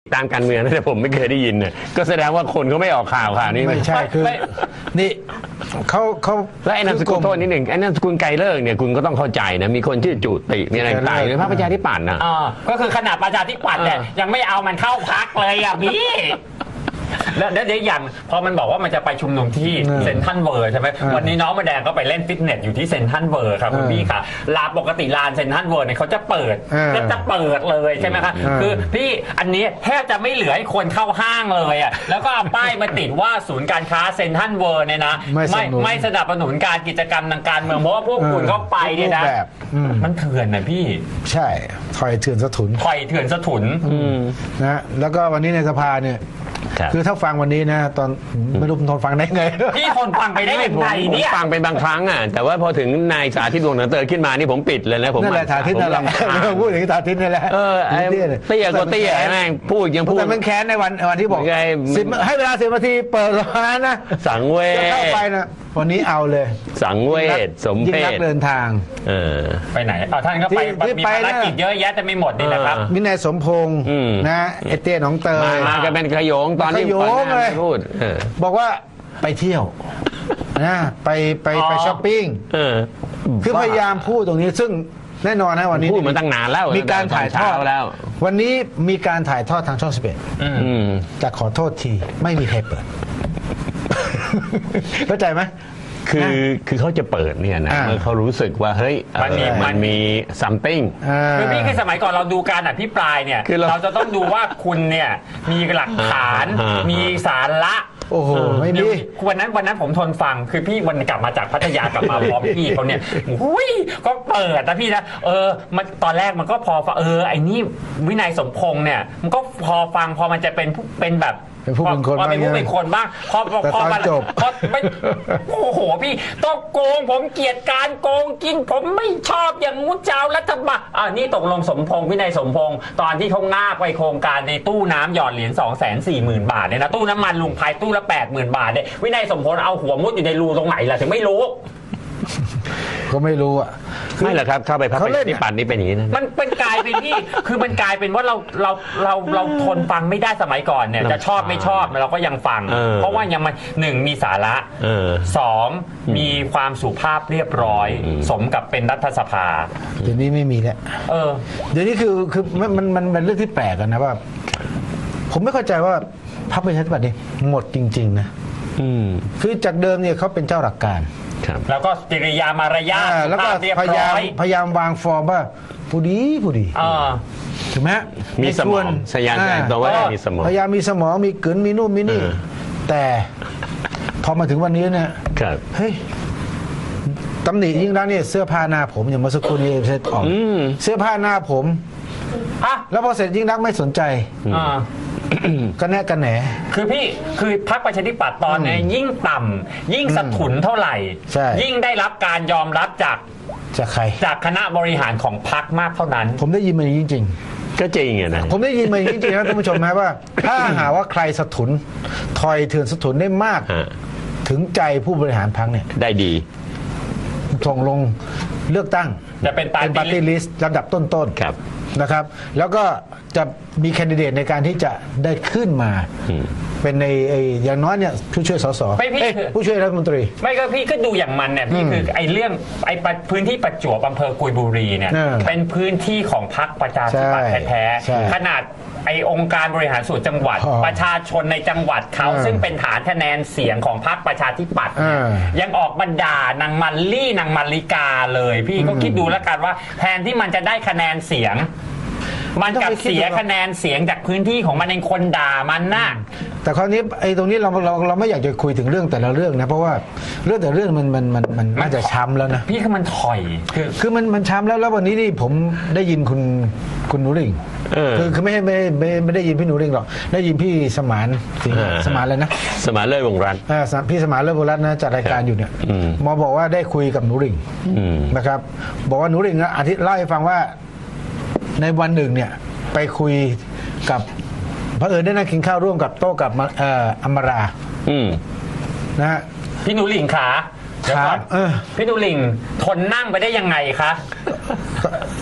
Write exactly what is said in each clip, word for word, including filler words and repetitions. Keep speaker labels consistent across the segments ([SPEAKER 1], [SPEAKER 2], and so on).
[SPEAKER 1] ตามการเมืองนะแต่ผมไม่เคยได้ยินเนี่ยก็แสดงว่าคนเขาไม่ออกข่าวข่าวนี้
[SPEAKER 2] ไม่ใช่คือนี่เขาเขา
[SPEAKER 1] แล้วไอ้นามสกุลโทษนิดหนึ่งไอ้นามสกุลไกรเลิกเนี่ยคุณก็ต้องเข้าใจนะมีคนชื่อจุติมีอะไรต่างๆในพรรคประชาธิปัตย์นะ
[SPEAKER 3] อ่าก็คือขนาดประชาธิปัตย์เนี่ยยังไม่เอามันเข้าพรรคเลยอ่ะพี่แล้วเดี๋ยวอย่างพอมันบอกว่ามันจะไปชุมนุมที่เซ็นทรัลเวิลด์ใช่ไหมวันนี้น้องมาแดงก็ไปเล่นฟิตเนสอยู่ที่เซ็นทรัลเวิลด์ครับคุณพี่ค่ะลานปกติลานเซ็นทรัลเวิลด์เนี่ยเขาจะเปิดก็จะเปิดเลยใช่ไหมคะคือพี่อันนี้แทบจะไม่เหลือให้คนเข้าห้างเลยอ่ะแล้วก็เอาป้ายมาติดว่าศูนย์การค้าเซ็นทรัลเวิลด์เนี่ยนะไม่ไม่สนับสนุนการกิจกรรมทางการเมืองเพราะว่าพวกคุณเข้าไปเนี่ยนะมันเถื่อนนะพี่
[SPEAKER 2] ใช่ถอยเถื่อนสะทุน
[SPEAKER 3] ถอยเถื่อนสะทุน
[SPEAKER 2] นะแล้วก็วันนี้ในสภาเนี่ยคือถ้าฟังวันนี้นะตอนไม่รู้ทนฟังได้ไง
[SPEAKER 3] พี่ทนฟังไปได้ยังไงเนี่ย
[SPEAKER 1] ฟังเป็นบางครั้งอ่ะแต่ว่าพอถึงนายสาธิตวงศ์หนังเตอขึ้นมานี่ผมปิดเลยนะผม
[SPEAKER 2] นั่นแหละสาธิตนั่นแหละพูดถึงสาธิตนี่แหละ
[SPEAKER 1] เออไอ้เตี้ยก็เตี้ยแม่งพูดยังพูด
[SPEAKER 2] แต่มันแค้นในวันวันที่บอกให้เวลาสิบนาทีเปิดร้านนะ
[SPEAKER 1] สังเวช
[SPEAKER 2] เข้าไปนะวันนี้เอาเลย
[SPEAKER 1] สังเวชสมเพช
[SPEAKER 2] เดินทาง
[SPEAKER 1] เออ
[SPEAKER 3] ไปไหนเอาท่านก็ไปมีภารกิจเยอะแยะจะไม่หมดนี่แหละครับ
[SPEAKER 2] วินัยสมพงษ์นะเอเต้หนองเตย
[SPEAKER 1] มากันเป็นขยงตอนที่พูด
[SPEAKER 2] บอกว่าไปเที่ยวนะไปไปไปช้อปปิ้งคือพยายามพูดตรงนี้ซึ่งแน่นอนนะวันนี้
[SPEAKER 1] พูดมาตั้งนานแล้ว
[SPEAKER 2] มีการถ่ายทอดแล้ววันนี้มีการถ่ายทอดทางช่องสิบเอ็ดแต่ขอโทษทีไม่มีใครเปิดเข้าใจไหม
[SPEAKER 1] คือคือเขาจะเปิดเนี่ยนะเมื่อเขารู้สึกว่าเฮ้ยมันมีมันมี something
[SPEAKER 3] คือพี่คือสมัยก่อนเราดูการอภิปรายเนี่ยเราจะต้องดูว่าคุณเนี่ยมีหลักฐานมีสาระ
[SPEAKER 2] โอ้โหไม่มี
[SPEAKER 3] วันนั้นวันนั้นผมทนฟังคือพี่วันกลับมาจากพัทยากลับมาพร้อมพี่เขาเนี่ยอุ้ยก็เปิดนะพี่นะเออมันตอนแรกมันก็พอฟังเออไอ้นี่วินัยสมพงษ์เนี่ยมันก็พอฟังพอมันจะเป็นเป็นแบบ
[SPEAKER 2] เป็นผู้เป็นคน
[SPEAKER 3] บ้างเป็นผู้เป็นคนบ้างพอพอมาจบพอไม่โอ้โหพี่ต้องโกงผมเกลียดการโกงกินผมไม่ชอบอย่างงูเจ้ารัฐบาลอ่านี่ตกลงสมพงษ์วินัยสมพงษ์ตอนที่เขางาบไปโครงการในตู้น้ำหยอดเหรียญสองแสนสี่หมื่นบาทเนี่ยนะตู้น้ำมันลุงพายตู้ละแปดหมื่นบาทเนี่ยวินัยสมพงษ์เอาหัวมุดอยู่ในรูตรงไหนล่ะถึงไม่รู้
[SPEAKER 2] ก็ไม่รู้อ่ะ
[SPEAKER 1] ไม่หรอกครับเข้าไปพักไปที่ปั่นนี่เป็นอย่างนี้นะ
[SPEAKER 3] มันเป็นกลายเป็นที่คือมันกลายเป็นว่าเราเราเราเราทนฟังไม่ได้สมัยก่อนเนี่ยจะชอบไม่ชอบเราก็ยังฟังเพราะว่ายังมันหนึ่งมีสาระสองมีความสุภาพเรียบร้อยสมกับเป็นรัฐสภา
[SPEAKER 2] เดี๋ยวนี้ไม่มีแล้ว
[SPEAKER 3] เออ
[SPEAKER 2] เดี๋ยวนี้คือคือมันมันมันเป็นเรื่องที่แปลกกันนะว่าผมไม่เข้าใจว่าพรรคประชาธิปัตย์นี่หมดจริงๆนะคือจากเดิมเนี่ยเขาเป็นเจ้าหลักการ
[SPEAKER 3] แล้วก็กิริยามารยาท
[SPEAKER 2] แล้วก็พยายามพยายามวางฟอร์มว่าผู้ดีผู้ดีถูกไหม
[SPEAKER 1] มีสมองสยานใจตัวว่ามีสมอง
[SPEAKER 2] พยายามมีสมองมีกลืนมีนู่นมีนี่แต่พอมาถึงวันนี้เนี่ยเฮ้ยตำหนิยิ่งรักเนี่ยเสื้อผ้าหน้าผมอย่างเมื่อสักครู่นี้เซ็ตออกเสื้อผ้าหน้าผมแล้วพอเสร็จยิ่งรักไม่สนใจก็แน่กันแหน
[SPEAKER 3] คือพี่คือพรรคประชาธิปัตย์ตอนนี้ยิ่งต่ำยิ่งสะทุนเท่าไหร่ยิ่งได้รับการยอมรับจาก
[SPEAKER 2] จากใคร
[SPEAKER 3] จากคณะบริหารของพรรคมากเท่านั้น
[SPEAKER 2] ผมได้ยินมาจริงๆ
[SPEAKER 1] ก็จริงอ่ะนะ
[SPEAKER 2] ผมได้ยินมาจริงๆนะท่านผู้ชมนะว่าถ้าหาว่าใครสะทุนถอยเถื่อนสะทุนได้มากถึงใจผู้บริหารพรรคเนี่ย
[SPEAKER 1] ได้ดี
[SPEAKER 2] ส่งลงเลือกตั้ง
[SPEAKER 3] จะเป็นปาร์
[SPEAKER 2] ตี้ลิสต์ลำดับต้นๆ
[SPEAKER 1] ครับ
[SPEAKER 2] นะครับแล้วก็จะมีแคนดิเดตในการที่จะได้ขึ้นมาเป็นในอย่างน้อยเนี่ยผู้ช่วยสสผู้ช่วยรัฐมนตรี
[SPEAKER 3] ไม่ก็พี่ก็ดูอย่างมันเนี่ยพี่คือไอ้เรื่องไอ้พื้นที่ประจวบอำเภอกุยบุรีเนี่ยเป็นพื้นที่ของพรรคประชาธิปัตย์แท้ๆขนาดไอองค์การบริหารส่วนจังหวัดประชาชนในจังหวัดเขาซึ่งเป็นฐานคะแนนเสียงของพรรคประชาธิปัตย์ยังออกมาด่านางมันลี่นางมันลิกาเลยพี่ก็คิดดูแล้วกันว่าแทนที่มันจะได้คะแนนเสียงมันกับเสียคะแนนเสียงจากพื้นที่ของมันเองคนด่ามันน่ะ
[SPEAKER 2] แต่คราวนี้ไอ้ตรงนี้เราเราเราไม่อยากจะคุยถึงเรื่องแต่ละเรื่องนะเพราะว่าเรื่องแต่เรื่องมันมันมันมันน่าจะช้ำแล้วนะ
[SPEAKER 3] พี่คือมันถอย
[SPEAKER 2] คือคือมันมันช้ำแล้วแล้ววันนี้นี่ผมได้ยินคุณคุณหนูริ่งคือคือไม่ไม่ไม่ไม่ได้ยินพี่หนูริ่งหรอกได้ยินพี่สมานสมานอะไรนะ
[SPEAKER 1] สมานเลิศวงรัตน์
[SPEAKER 2] พี่สมานเลิศวงรัตน์นะจัดรายการอยู่เนี่ยหมอบอกว่าได้คุยกับหนูริ่งนะครับบอกว่าหนูริ่งนะอาทิตย์เล่าให้ฟังว่าในวันหนึ่งเนี่ยไปคุยกับพระเอิญได้นั่งกินข้าวร่วมกับโต๊ะกับอัมรานะฮะ
[SPEAKER 3] พี่หนูหลิงขาเดี๋ยวก่อนพี่หนูหลิงทนนั่งไปได้ยังไงคะ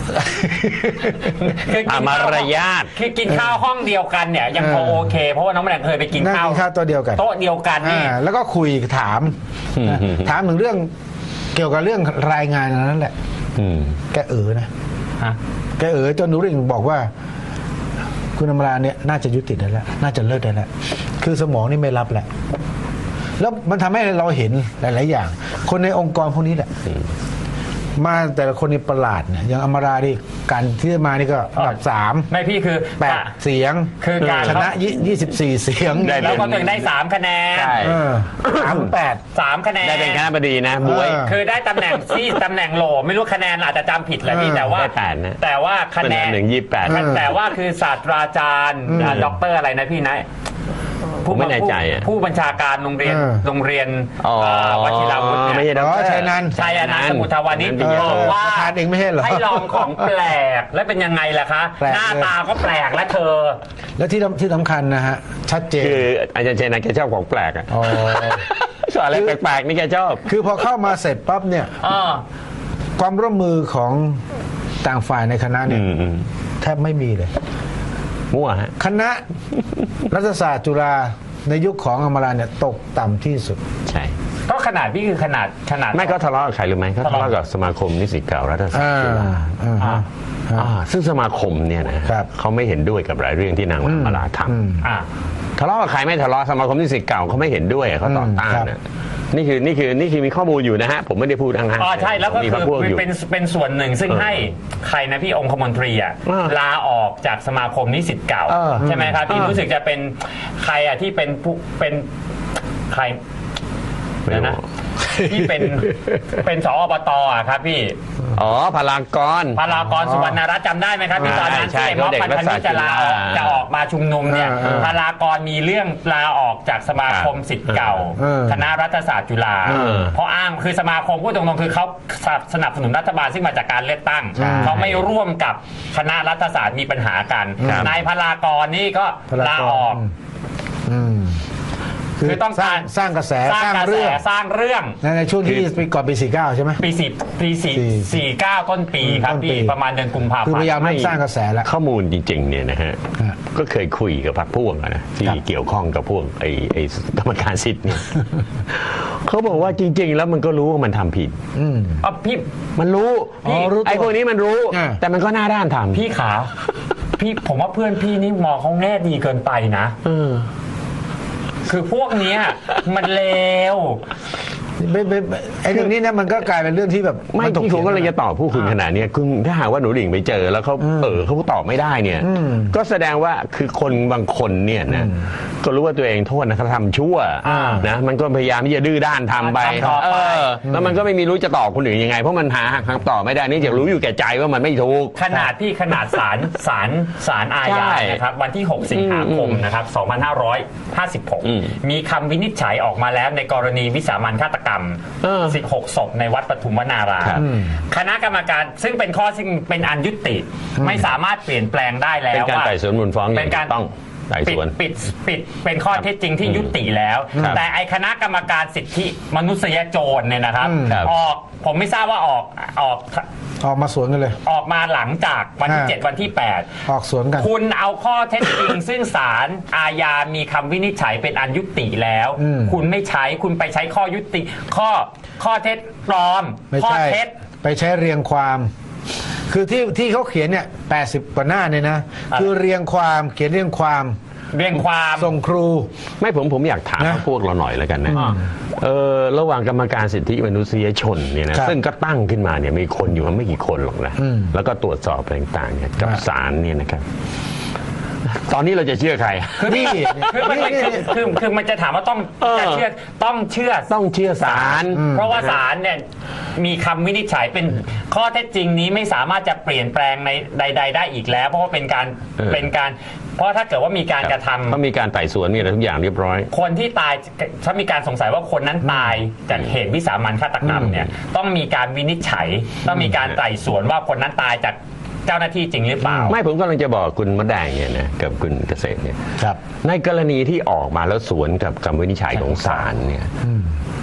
[SPEAKER 3] คือกิน
[SPEAKER 1] อ่ะมารยาท
[SPEAKER 3] คือกินข้าวห้องเดียวกันเนี่ยยังพอโอเค เพราะว่าน้องแมลงเคยไปกิน
[SPEAKER 2] นั่ง
[SPEAKER 3] ข้าว
[SPEAKER 2] กินข้าวโต๊ะเดียวกัน
[SPEAKER 3] โต๊ะเดียวกันนี่
[SPEAKER 2] อ่าแล้วก็คุยถามนะถามถึงเรื่องเกี่ยวกับเรื่องรายงานอันนั้นแหละ
[SPEAKER 1] อืม
[SPEAKER 2] แกเอ๋อนะ
[SPEAKER 3] ฮะ
[SPEAKER 2] แกเอ๋อจนหนูริ่งบอกว่า คุณอมราเนี่ยน่าจะยุติได้แล้วน่าจะเลิกได้แล้วคือสมองนี่ไม่รับแหละแล้วมันทำให้เราเห็นหลาย ๆ อย่าง คนในองค์กรพวกนี้แหละมาแต่ละคนนี่ประหลาดเนี่ยอย่างอมราดิการที่มานี่ก็อันดับสาม
[SPEAKER 3] ไม่พี่คือ
[SPEAKER 2] แปดเสียง
[SPEAKER 3] คือการ
[SPEAKER 2] ชนะยี่สิบสี่เสียง
[SPEAKER 1] ได้
[SPEAKER 3] แล้วก็ถึงได้สามคะแนน
[SPEAKER 1] ใช่
[SPEAKER 2] เออสามแปด
[SPEAKER 3] สามคะแนน
[SPEAKER 1] ได้เป็นคณะบดีนะบวย
[SPEAKER 2] เออ
[SPEAKER 3] คือได้ตำแหน่งที่ตำแหน่งโหลไม่รู้คะแนนอาจจะจำผิดแหละพี่
[SPEAKER 2] เออ
[SPEAKER 3] แต่ว่า
[SPEAKER 1] ได้แปดนะ
[SPEAKER 3] แต่ว่าคะแนน
[SPEAKER 1] เป็นอันหนึ่งยี่สิบแปด
[SPEAKER 3] แต่แต่ว่าคือศาสตราจารย์อ่าด็อกเตอร์อะไรนะพี่นะ
[SPEAKER 1] ผมไม่แน่ใจอ่ะ
[SPEAKER 3] ผู้บัญชาการโรงเรียน
[SPEAKER 2] เออ
[SPEAKER 3] โรงเรียน
[SPEAKER 1] อ๋อ
[SPEAKER 3] อ่าวชิราวุธ
[SPEAKER 1] ไม่
[SPEAKER 3] เนี่ย
[SPEAKER 1] ใช่ด
[SPEAKER 2] อ๋อ
[SPEAKER 1] ร
[SPEAKER 2] ชัยนันท์
[SPEAKER 3] ชัยนันท์สมุทรวานิช
[SPEAKER 1] เออ
[SPEAKER 3] บอกว่า
[SPEAKER 2] ประธานเองไม่ใช่เหรอ
[SPEAKER 3] ให้ลองของแปลกแล้วเป็นยังไงล่ะคะ
[SPEAKER 2] แปลก
[SPEAKER 3] หน้าตาก็แปลกและเธอ
[SPEAKER 2] แล้วที่ที่สำคัญนะฮะ ชัดเจน
[SPEAKER 1] คืออาจารย์เจนนะแกชอบของแปลกอ่ะ
[SPEAKER 2] อ๋อ
[SPEAKER 1] สอนอะไรแปลกๆนี่แกชอบ
[SPEAKER 2] คือพอเข้ามาเสร็จปั๊บเนี่ย
[SPEAKER 3] อ่า
[SPEAKER 2] ความร่วมมือของต่างฝ่ายในคณะเนี่ย
[SPEAKER 1] อืมอืม
[SPEAKER 2] แทบไม่มีเลย
[SPEAKER 1] มั่วฮะ
[SPEAKER 2] คณะรัฐศาสตร์จุฬาในยุคของอมราเนี่ยตกต่ำที่สุด
[SPEAKER 1] ใช่
[SPEAKER 3] ก็ขนาดพี่คือขนาดขนาด
[SPEAKER 1] ไม่เขาทะเลาะกับใครหรือไหมเขาทะเลาะกับสมาคมนิสิตเก่ารัฐศาสต
[SPEAKER 2] อ่า
[SPEAKER 1] ร์จุฬา
[SPEAKER 2] อ่าฮะ
[SPEAKER 1] อ่าซึ่งสมาคมเนี่ยนะครับ เขาไม่เห็นด้วยกับหลายเรื่องที่นางมาลาท
[SPEAKER 2] อืม
[SPEAKER 3] อ่า
[SPEAKER 1] ำทะเลาะกับใครไม่ทะเลาะสมาคมนิสิตเก่าเขาไม่เห็นด้วยเขาต่อต้าน
[SPEAKER 2] ครับ
[SPEAKER 1] นะนี่คือนี่คือนี่คือมีข้อมูลอยู่นะฮะผมไม่ได้พูดอ้างๆ
[SPEAKER 3] อ๋อใช่แล้วก็
[SPEAKER 1] มี
[SPEAKER 3] คื
[SPEAKER 1] พรร
[SPEAKER 3] อ
[SPEAKER 1] คพวกอยู่
[SPEAKER 3] เป็นเป็นส่วนหนึ่งซึ่ง
[SPEAKER 1] เออ
[SPEAKER 3] ให้ใครนะพี่องคมนตรีอ่ะ
[SPEAKER 1] อ่า
[SPEAKER 3] ลาออกจากสมาคมนิสิตเก่า
[SPEAKER 1] เออ
[SPEAKER 3] ใช่ไหมครับพี่
[SPEAKER 1] เออ
[SPEAKER 3] รู้สึกจะเป็นใครอ่ะที่เป็นผู้เป็นใคร
[SPEAKER 1] ไม่
[SPEAKER 3] เดี๋ยว
[SPEAKER 1] รู้
[SPEAKER 3] นะที่เป็นเป็นสอบตอ่ะครับพี่
[SPEAKER 1] อ๋อพลากร
[SPEAKER 3] พารากรสุวรรณรัตน์จำได้ไหมครับที่ตอนนั้น
[SPEAKER 1] ใช่
[SPEAKER 3] ที่ม็อบ
[SPEAKER 1] เขาเด็ก
[SPEAKER 3] พันธมิตรจะลาออก
[SPEAKER 1] รัฐศาสตร์
[SPEAKER 3] จะออกมาชุมนุมเนี่ย
[SPEAKER 2] เออเออ
[SPEAKER 3] พารากรมีเรื่องลาออกจากสมาคมศิษย์เก่า
[SPEAKER 2] เออ
[SPEAKER 3] คณะรัฐศาสตร์จุฬา
[SPEAKER 1] เออ
[SPEAKER 3] เพราะอ้างคือสมาคมพูดตรงๆคือเขาสนับสนุนรัฐบาลซึ่งมาจากการเลือกตั้ง
[SPEAKER 2] ใช่
[SPEAKER 3] เขาไม่ร่วมกับคณะรัฐศาสตร์มีปัญหากัน
[SPEAKER 1] ครับ
[SPEAKER 3] นายพารากรนี่ก็
[SPEAKER 2] พล
[SPEAKER 3] ลาออก
[SPEAKER 2] อืม
[SPEAKER 3] คือต้อง
[SPEAKER 2] สร้า
[SPEAKER 3] การ
[SPEAKER 2] งสร้างกระแส
[SPEAKER 3] สร้าง
[SPEAKER 2] สร้าง
[SPEAKER 3] กระแส
[SPEAKER 2] เรื่อง
[SPEAKER 3] สร้างเรื่อง
[SPEAKER 2] ในในช่วงที่ปีก่อนปีสี่เก้าใช่ไหม
[SPEAKER 3] ปีสี่ปีสี่
[SPEAKER 2] สี่
[SPEAKER 3] สี่เก้าต้นปีครับ
[SPEAKER 2] ต้นปี
[SPEAKER 3] พี่ประมาณเดือนกุมภาพัน
[SPEAKER 2] คือพยายาม
[SPEAKER 3] ธ์
[SPEAKER 2] เร่งสร้างกระแสแล้ว
[SPEAKER 1] ข้อมูลจริงๆเนี่ยนะฮะ
[SPEAKER 2] ฮะ
[SPEAKER 1] ก็เคยคุยกับพรรคพวกอะนะที่
[SPEAKER 2] ครับ
[SPEAKER 1] เกี่ยวข้องกับพวกไอ้ไอ้กรรมการสิทธิ์เนี่ย เขาบอกว่าจริง ๆ แล้วมันก็รู้ว่ามันทำผิด
[SPEAKER 2] อืม
[SPEAKER 3] อ่ะพี่
[SPEAKER 1] มันรู้
[SPEAKER 2] อ๋อรู้ตัว
[SPEAKER 1] ไอ้พวกนี้มันรู้
[SPEAKER 2] อ่า
[SPEAKER 1] แต่มันก็หน้าด้านทำ
[SPEAKER 3] พี่ขา พี่ผมว่าเพื่อนพี่นี่มองเขาแง่ดีเกินไปนะ
[SPEAKER 1] เออ
[SPEAKER 3] คือพวกเนี้ยมันเลว
[SPEAKER 2] ไม่ไม่ไม่ไอ้เรื่องนี้เนี่ยมันก็กลายเป็นเรื่องที่แบบ
[SPEAKER 1] ไม่
[SPEAKER 2] นถก
[SPEAKER 1] ที่ผมก็เลย
[SPEAKER 2] ถี
[SPEAKER 1] จะตอบผู้คุณขนาดเนี้ยคุณถ้าหากว่าหนูหลิงไปเจอแล้วเขาเออเขาตอบไม่ได้เนี่ย
[SPEAKER 2] อืม
[SPEAKER 1] ก็แสดงว่าคือคนบางคนเนี่ยนะก็รู้ว่าตัวเองโทษนะเขาทำชั่ว
[SPEAKER 2] อ่า
[SPEAKER 1] นะมันก็พยายามที่จะดื้อด้านทำไป
[SPEAKER 3] ทำต่อไป
[SPEAKER 1] เออแล้วมันก็ไม่มีรู้จะตอบคนอื่นยังไง เพราะมันหาคำตอบไม่ได้เนื่องจากรู้อยู่แก่ใจว่ามันไม่ถูก
[SPEAKER 3] ขนาดพี่ขนาดศาลศาลศาลอาญา
[SPEAKER 1] ใช่
[SPEAKER 3] นะครับวันที่ หก สิงหาคมนะครับ สองพันห้าร้อยห้าสิบหก
[SPEAKER 1] อืม
[SPEAKER 3] มีคำวินิจฉัยออกมาแล้วในกรณีวิสามัญฆาตกรรม
[SPEAKER 1] เออ
[SPEAKER 3] สิบหกศพในวัดปทุมวนาราม
[SPEAKER 1] ครับ
[SPEAKER 3] คณะกรรมการซึ่งเป็นข้อซึ่งเป็นอันยุติ ไม่สามารถเปลี่ยนแปลงได้แล้ว
[SPEAKER 1] เป็นการ
[SPEAKER 3] ว่า
[SPEAKER 1] ไต่สวนมูลฟ้องอย่าง
[SPEAKER 3] เป็นการ
[SPEAKER 1] ถูกต้องไต่สวน
[SPEAKER 3] ปิดปิดปิดเป็นข้อเท็จจริงที่ยุติแล้ว
[SPEAKER 1] ครับ
[SPEAKER 3] แต่ไอคณะกรรมการสิทธิมนุษยชนเนี่ยนะครับ
[SPEAKER 2] อืม
[SPEAKER 1] ครับ
[SPEAKER 3] ออกผมไม่ทราบว่าออกออก
[SPEAKER 2] ออกมาสวนกันเลย
[SPEAKER 3] ออกมาหลังจากวันที่
[SPEAKER 2] อ่า
[SPEAKER 3] เจ็ดวันที่ แปด
[SPEAKER 2] ออกสวนกัน
[SPEAKER 3] คุณเอาข้อเท็จจริง ซึ่งศาลอาญามีคำวินิจฉัยเป็นอันยุติแล้ว
[SPEAKER 2] อืม
[SPEAKER 3] คุณไม่ใช้คุณไปใช้ข้อยุติ ข้อข้อเท็จปลอม
[SPEAKER 2] ไม่
[SPEAKER 3] ข้อ
[SPEAKER 2] ใช่
[SPEAKER 3] เท็จ
[SPEAKER 2] ไปใช้เรียงความ คือที่ที่เขาเขียนเนี่ยแปดสิบกว่าหน้าเนี่ยนะ
[SPEAKER 3] อะไร
[SPEAKER 2] คือเรียงความเขียนเรียงความ
[SPEAKER 3] เรียงความ
[SPEAKER 2] ส่งครู
[SPEAKER 1] ไม่ผมผมอยากถาม
[SPEAKER 2] นะ
[SPEAKER 1] พวกเราหน่อยแล้วกันนะ
[SPEAKER 3] อ่า
[SPEAKER 1] เออระหว่างกรรมการสิทธิมนุษยชนเนี่ยนะครับ ซึ่งก็ตั้งขึ้นมาเนี่ยมีคนอยู่ไม่กี่คนหรอกนะ
[SPEAKER 2] อืม
[SPEAKER 1] แล้วก็ตรวจสอบอะไรต่างๆเนี่ยกับ
[SPEAKER 2] อ่า
[SPEAKER 1] ศาลเนี่ยนะครับ ตอนนี้เราจะเชื่อใคร
[SPEAKER 2] นี่
[SPEAKER 3] คือมัน
[SPEAKER 2] นี่
[SPEAKER 3] คือ
[SPEAKER 2] นี่
[SPEAKER 3] คือคือมันจะถามว่าต้อง
[SPEAKER 1] เออ
[SPEAKER 3] จะเชื่อต้องเชื่อ
[SPEAKER 1] ต้องเชื่อศาล
[SPEAKER 3] เพราะว่าศาลเนี่ยมีคำวินิจฉัยเป็นข้อเท็จจริงนี้ไม่สามารถจะเปลี่ยนแปลงในใด ๆ ได้อีกแล้ว เพราะว่าเป็นการ
[SPEAKER 1] เออ
[SPEAKER 3] เป็นการ เพราะถ้าเกิดว่ามีการกระทำ
[SPEAKER 1] เขามีการไต่สวนมีอะไรทุกอย่างเรียบร้อย
[SPEAKER 3] คนที่ตายถ้ามีการสงสัยว่าคนนั้นตายจากเหตุวิสามัญฆาตกรรมเนี่ยต้องมีการวินิจฉัย ต้องมีการไต่สวนว่าคนนั้นตายจากเจ้าหน้าที่จริงหรือเปล่า
[SPEAKER 1] ไม่ผมกำลังจะบอกคุณมดแดงเนี่ยนะกับคุณเกษตรเนี่ย
[SPEAKER 2] ครับ
[SPEAKER 1] ในกรณีที่ออกมาแล้วสวนกับคำวินิจฉัยของศาลเนี่ย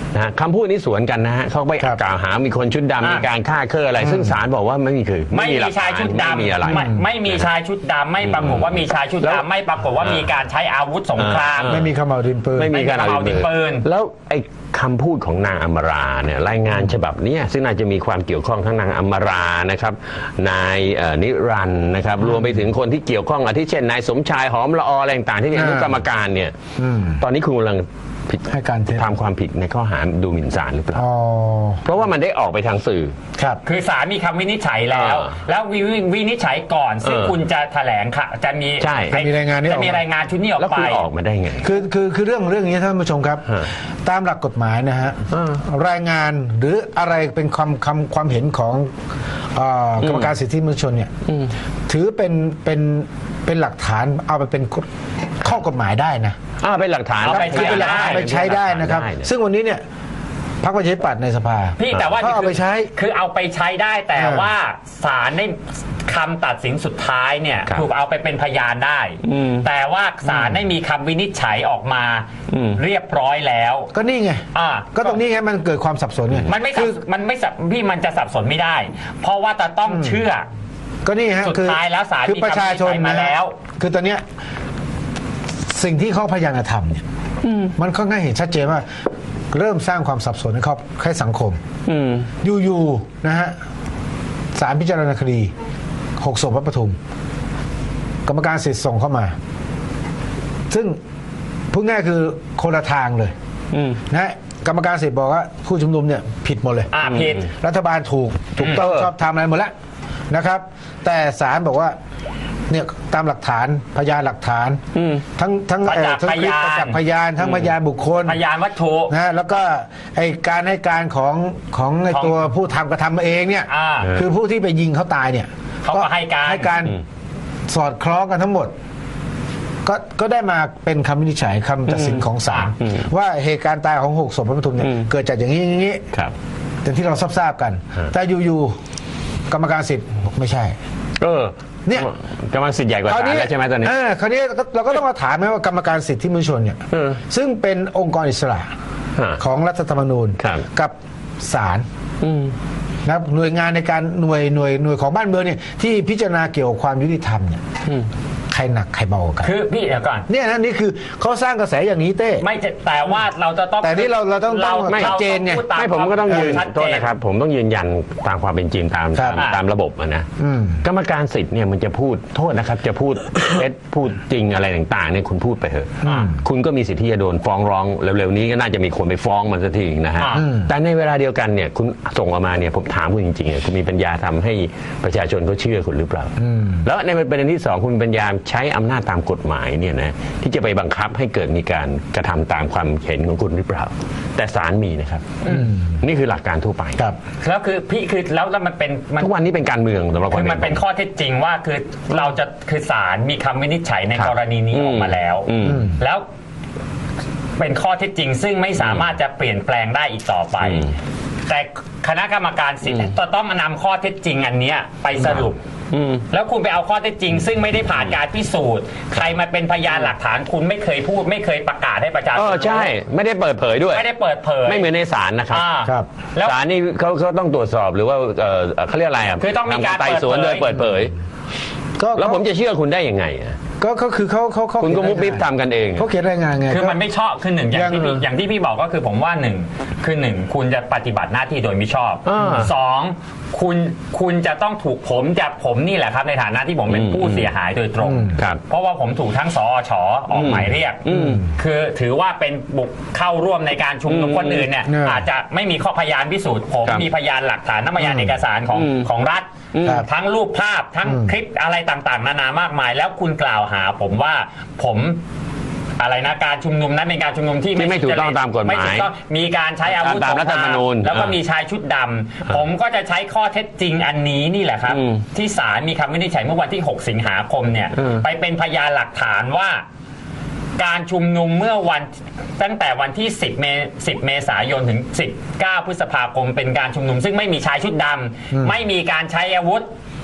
[SPEAKER 1] นะฮะคำพูดนี้สวนกันนะฮะเขาไป
[SPEAKER 2] ครับ
[SPEAKER 1] กล่าวหามีคนชุดดำมีการฆ่าเคออะไร ซึ่งศาลบอกว่าไม่มีคือ
[SPEAKER 3] ไม่มี
[SPEAKER 1] หลัก
[SPEAKER 3] ชาย
[SPEAKER 1] ฐน
[SPEAKER 3] ชุดดำ
[SPEAKER 1] ไม่มีอะไร
[SPEAKER 3] ไม่ไม่มีชายชุดดำไม่ปรากฏว่ามีชายชุด
[SPEAKER 1] แล้ว
[SPEAKER 3] ดำไม่ปรากฏว่ามีการใช้อาวุธสงคราม
[SPEAKER 1] เออ
[SPEAKER 2] ไม่มีขม่าวดินปืน
[SPEAKER 1] ไม่มีการ
[SPEAKER 3] ไม่มีเอาดินปืน
[SPEAKER 1] แล้วไอ้คำพูดของนางอมราเนี่ยรายงานฉบับเนี้ยซึ่งน่าจะมีความเกี่ยวข้องทั้งนางอมรานะครับนายเอ่อนิรันดร์นะครับรวมไปถึงคนที่เกี่ยวข้องอาทิเช่นนายสมชายหอมละออะไรต่างๆที่เป็นอนุกรรมการเนี่ย
[SPEAKER 2] อืม
[SPEAKER 1] ตอนนี้คุณกำลังผิด
[SPEAKER 2] ให้การเท็จ
[SPEAKER 1] ทำความผิดในข้อหาดูหมิ่นศาลหรือเปล่า
[SPEAKER 2] อ๋อ
[SPEAKER 1] เพราะว่ามันได้ออกไปทางสื่อ
[SPEAKER 2] ครับ
[SPEAKER 3] คือศาลมีคำวินิจฉัยแล้ว
[SPEAKER 1] อ่า
[SPEAKER 3] แล้ววิวิวินิจฉัยก่อน ซึ่ง
[SPEAKER 1] เออ
[SPEAKER 3] คุณจะแถลงค่ะ จะมี
[SPEAKER 1] ใช่
[SPEAKER 2] จะมีรายงานนี้ออกมา
[SPEAKER 3] จะมีรายงานชุดนี้ออก
[SPEAKER 1] แล้ว
[SPEAKER 3] ไป
[SPEAKER 1] คุณออกมาได้ไง
[SPEAKER 2] คือคือคือเรื่องเรื่องนี้ท่านผู้ชมครับ
[SPEAKER 1] ฮะ
[SPEAKER 2] ตามหลักกฎหมายนะฮะ
[SPEAKER 1] อ่าร
[SPEAKER 2] ายงานหรืออะไรเป็นความคำความเห็นของเอ่อกรรมการสิทธิมนุษยชนเนี่ยถือเป็นเป็นเป็นหลักฐานเอาไปเป็นข้อกฎหมายได้นะ
[SPEAKER 1] อ่าเป็นหลักฐาน
[SPEAKER 3] เอาไป
[SPEAKER 2] คือเป็นหลักฐานไปใช้ได้นะครับ
[SPEAKER 1] ได้
[SPEAKER 2] ซึ่งวันนี้เนี่ยพรรคประชาธิปัตย์ในสภา
[SPEAKER 3] พี่แต่ว่า
[SPEAKER 2] เขาเอาไปใช้
[SPEAKER 3] คือเอาไปใช้ได้แต่
[SPEAKER 2] อ่า
[SPEAKER 3] ว่าศาลได้คำตัดสินสุดท้ายเนี่ย
[SPEAKER 1] ครับ
[SPEAKER 3] ถูกเอาไปเป็นพยานได้
[SPEAKER 1] อืม
[SPEAKER 3] แต่ว่าศาลได้มีคำวินิจฉัยออกมา
[SPEAKER 1] อืม
[SPEAKER 3] เรียบร้อยแล้ว
[SPEAKER 2] ก็นี่ไง
[SPEAKER 3] อ่า
[SPEAKER 2] ก็ตรงนี้ไงมันเกิดความสับสนไง
[SPEAKER 3] มันไม่สั
[SPEAKER 2] คื
[SPEAKER 3] บ
[SPEAKER 2] อ
[SPEAKER 3] มันไม่สับพี่มันจะสับสนไม่ได้ เพราะว่าจะต้องเชื่อ
[SPEAKER 2] ก็นี่ฮะ
[SPEAKER 3] สุด
[SPEAKER 2] คือ
[SPEAKER 3] ท้ายแล้วศาล
[SPEAKER 2] คือ
[SPEAKER 3] มี
[SPEAKER 2] ประชาชน
[SPEAKER 3] คำวินิจฉัยมา
[SPEAKER 2] นะ
[SPEAKER 3] แล้ว
[SPEAKER 2] คือตอนเนี้ยสิ่งที่เขาพยายามจะทำเนี่ยมันค่อนข้างเห็นชัดเจนว่า เริ่มสร้างความสับสนให้ครอบให้สังคม
[SPEAKER 1] อืม
[SPEAKER 2] อยู่ๆนะฮะศาลพิจารณาคดีหกศพวัดปทุม กรรมการสิทธิ์ส่งเข้ามา ซึ่งพูดง่ายคือคนละทางเลย
[SPEAKER 1] อืม
[SPEAKER 2] นะฮะกรรมการสิทธิ์บอกว่าผู้ชุมนุมเนี่ยผิดหมดเลย
[SPEAKER 3] อ่าผิด
[SPEAKER 2] รัฐบาลถูกถูกต้อง
[SPEAKER 1] เออ
[SPEAKER 2] ชอบทำอะไรหมดแล้วนะครับ แต่ศาลบอกว่าเนี่ยตามหลักฐานพยานหลักฐาน
[SPEAKER 1] อืม
[SPEAKER 2] ทั้งทั้ง
[SPEAKER 3] ประจักษ์
[SPEAKER 2] เอ่อทั้งคลิป
[SPEAKER 3] พยาน
[SPEAKER 2] ประจักษ์พยานทั้งพยานบุคคล
[SPEAKER 3] พยานวัตถุ
[SPEAKER 2] นะฮะแล้วก็ไอการให้การของของไอ
[SPEAKER 3] ของ
[SPEAKER 2] ตัวผู้ทำกระทำมาเองเนี่ย
[SPEAKER 3] อ่า
[SPEAKER 2] คือผู้ที่ไปยิงเขาตายเนี่ย
[SPEAKER 3] เขาก็ให้การ
[SPEAKER 2] ให้การ
[SPEAKER 1] อืม
[SPEAKER 2] สอดคล้องกันทั้งหมด ก็ก็ได้มาเป็นคำวินิจฉัยคำตัดสินของศาล
[SPEAKER 1] อืม
[SPEAKER 2] ว่าเหตุการณ์ตายของหกศพพระปทุมเนี่ย
[SPEAKER 1] อืม
[SPEAKER 2] เกิดจากอย่างนี้อย่างนี้
[SPEAKER 1] ครับ
[SPEAKER 2] อย่างที่เราทราบๆกัน
[SPEAKER 1] ฮะ
[SPEAKER 2] แต่อยู่ๆกรรมการสิทธิ์บอกไม่ใช่
[SPEAKER 1] เออ
[SPEAKER 2] เนี่ย
[SPEAKER 1] กำลังสิทธิ์ใหญ่กว่าศาลแล้วใช่ไหมตอนนี้
[SPEAKER 2] เออคราวนี้เราก็ต้องมาถามไหมว่ากรรมการสิทธิมนุษยชนเนี่ย
[SPEAKER 1] เออ
[SPEAKER 2] ซึ่งเป็นองค์กรอิสระ
[SPEAKER 1] ฮะ
[SPEAKER 2] ของรัฐธรรมนูญ
[SPEAKER 1] ครับ
[SPEAKER 2] กับศาล
[SPEAKER 1] อืม
[SPEAKER 2] นะครับหน่วยงานในการหน่วยหน่วยหน่วยของบ้านเมืองเนี่ยที่พิจารณาเกี่ยวกับความยุติธรรมเนี่ย
[SPEAKER 1] อืม
[SPEAKER 2] ใครหนักใครเบากว่ากัน
[SPEAKER 3] คือพี่เดี๋ยวก่อน
[SPEAKER 2] เนี่ยนะนี่คือเขาสร้างกระแสอย่างนี้เต้
[SPEAKER 3] ไม่จะแต่ว่าเราจะต้อง
[SPEAKER 2] แต่นี่เราเราต้องต้อง
[SPEAKER 3] ไม่
[SPEAKER 2] ชัดเจนไง
[SPEAKER 3] ราพูดา
[SPEAKER 1] ไม่ผมก็ต้องยืน
[SPEAKER 3] ชัด
[SPEAKER 1] โท
[SPEAKER 3] เจ
[SPEAKER 1] ษนะครับ ผมต้องยืนยันตามความเป็นจริงตาม
[SPEAKER 2] ครับ
[SPEAKER 1] ตามตามระบบอะนะ
[SPEAKER 2] อืม
[SPEAKER 1] กรรมการสิทธิ์เนี่ยมันจะพูดโทษนะครับ จะพูด เท็จพูดจริงอะไรต่างๆเนี่ยคุณพูดไปเถอะ
[SPEAKER 2] อืม
[SPEAKER 1] คุณก็มีสิทธิ์ที่จะโดนฟ้องร้องเร็วๆนี้ก็น่าจะมีคนไปฟ้องมันสักทีนะฮะ
[SPEAKER 3] อืม
[SPEAKER 1] แต่ในเวลาเดียวกันเนี่ยคุณส่งออกมาเนี่ยผมถามคุณจริงๆเนี่ยคุณมีปัญญาทำให้ประชาชนเขาเชื่อคุณหรือเปล่า
[SPEAKER 2] อืม
[SPEAKER 1] แล้วในประเด็นที่สองคุณมีปัญญาใช้อำนาจตามกฎหมายเนี่ยนะที่จะไปบังคับให้เกิดมีการกระทำตามความเห็นของคุณหรือเปล่า แต่ศาลมีนะครับนี่คือหลักการทั่วไป
[SPEAKER 2] ครับ
[SPEAKER 3] แล้วคือพี่คือแล้วแล้วมันเป็นมัน
[SPEAKER 1] ทุกวันนี้เป็นการเมืองสำหรับค
[SPEAKER 3] คื
[SPEAKER 1] น
[SPEAKER 3] อมันเป็นข้อเท็จจริงว่าคือเราจะคือศาลมีคำวินิจฉัยใน
[SPEAKER 1] ครับ
[SPEAKER 3] กรณีนี้
[SPEAKER 1] อืม
[SPEAKER 3] ออกมาแล้ว
[SPEAKER 1] อืม
[SPEAKER 3] แล้วเป็นข้อเท็จจริง ซึ่งไม่สามารถจะเปลี่ยนแปลงได้อีกต่อไป
[SPEAKER 1] อืม
[SPEAKER 3] แต่คณะกรรมการสิทธิ์จะต้องมานำข้อเท็จจริงอันเนี้ยไปสรุป
[SPEAKER 1] อืม
[SPEAKER 3] แล้วคุณไปเอาข้อเท็จจริง ซึ่งไม่ได้ผ่านการพิสูจน์ ใครมาเป็นพยานหลักฐานคุณไม่เคยพูด ไม่เคยประกาศให้ประชาช
[SPEAKER 1] เอน อใช่ไม่ได้เปิดเผยด้วย
[SPEAKER 3] ไม่ได้เปิดเผย
[SPEAKER 1] ไม่เหมือนในศาลนะครับ
[SPEAKER 3] อ่า
[SPEAKER 2] ครับ
[SPEAKER 3] แล้ว
[SPEAKER 1] ศาลนี่เขาเขาต้องตรวจสอบหรือว่าเออเขาเรียกอะไรอ่ะ
[SPEAKER 3] คือต้องมีการ
[SPEAKER 1] ทำไต่สวน
[SPEAKER 3] เปิดเผย
[SPEAKER 1] โดยเปิดเผย
[SPEAKER 2] ก็
[SPEAKER 1] แล้วผมจะเชื่อคุณได้ยังไงอะ
[SPEAKER 2] ก็ก็คือเขาเขาเขา
[SPEAKER 1] คุณก็มุบมิบ
[SPEAKER 2] เขียนรายงาน
[SPEAKER 1] ทำกันเองอะ
[SPEAKER 2] เขาเขียนรายงานไง
[SPEAKER 3] คือ
[SPEAKER 2] ก็
[SPEAKER 3] มันไม่ชอบคือหนึ่งอย่างที่
[SPEAKER 2] ยัง
[SPEAKER 3] พี่อย่างที่พี่บอกก็คือผมว่าหนึ่งคือหนึ่งคุณจะปฏิบัติหน้าที่โดยมิชอบ
[SPEAKER 1] อ่า
[SPEAKER 3] สองคุณคุณจะต้องถูกผมจะผมนี่แหละครับในฐานะที่ผมเป็น
[SPEAKER 1] อืม
[SPEAKER 3] ผู้เสียหายโดยตรง
[SPEAKER 2] อืม
[SPEAKER 1] ครับ
[SPEAKER 3] เพราะว่าผมถูกทั้งสอชออกหมายเรียก
[SPEAKER 1] อืม
[SPEAKER 3] คือถือว่าเป็นบุกเข้าร่วมในการชุมนุม
[SPEAKER 1] อืม
[SPEAKER 3] คนอื่นเนี่ย
[SPEAKER 2] เนี่ย
[SPEAKER 3] อาจจะไม่มีข้อพยานพิสูจน์ผม
[SPEAKER 1] ครับ
[SPEAKER 3] มีพยานหลักฐานทั้งพยานเอกสารของ
[SPEAKER 1] อืม
[SPEAKER 3] ของรัฐ
[SPEAKER 1] อืม
[SPEAKER 2] ครับ
[SPEAKER 3] ทั้งรูปภาพทั้ง
[SPEAKER 2] อืม
[SPEAKER 3] คลิปอะไรต่างๆ นานามากมาย แล้วคุณกล่าวหาผมว่าผมอะไรนะการชุมนุมนั้นเป็นการชุมนุมที่
[SPEAKER 1] ที่ไม่ถูกต้องตามกฎหมาย
[SPEAKER 3] ไถูกต้องมีการใช้อาวุธ
[SPEAKER 1] ตามรัฐธรรมนูญ
[SPEAKER 3] แล้วก็
[SPEAKER 1] อ่ามี
[SPEAKER 3] มีชายชุดดำผมก็จะใช้ข้อเท็จจริงอันนี้นี่แหละครับ
[SPEAKER 1] อืม
[SPEAKER 3] ที่ศาลมีคำวินิจฉัยเมื่อวันที่หกสิงหาคมเนี่ย
[SPEAKER 1] อืม
[SPEAKER 3] ไปเป็นพยานหลักฐานว่า การชุมนุมเมื่อวันตั้งแต่วันที่ สิบ เมษายน เมษายนถึง สิบเก้า พฤษภาคม เป็นการชุมนุม ซึ่งไม่มีชายชุดดำไม่มีการใช้อาวุธ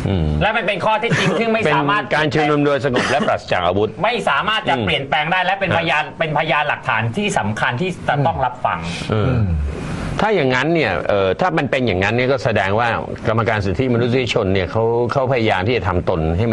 [SPEAKER 1] อืม
[SPEAKER 3] และมันเป็นข้อเที่จริงซึ่งไม่
[SPEAKER 1] เป็น
[SPEAKER 3] สามารถ
[SPEAKER 1] การชุมนุมโดยสงบและปราศจากอาวุธ
[SPEAKER 3] ไม่สามารถจะ
[SPEAKER 1] อืม
[SPEAKER 3] เปลี่ยนแปลงได้และเป็น
[SPEAKER 1] อ่ะ
[SPEAKER 3] พยานเป็นพยานหลักฐานที่สำคัญที่จะต้องรับฟัง
[SPEAKER 1] เออถ้าอย่างนั้นเนี่ยเอ่อถ้ามันเป็นอย่างนั้นเนี่ยก็แสดงว่ากรรมการสิทธิมนุษยชนเนี่ยเขาเขาพยายามที่จะทำตนให้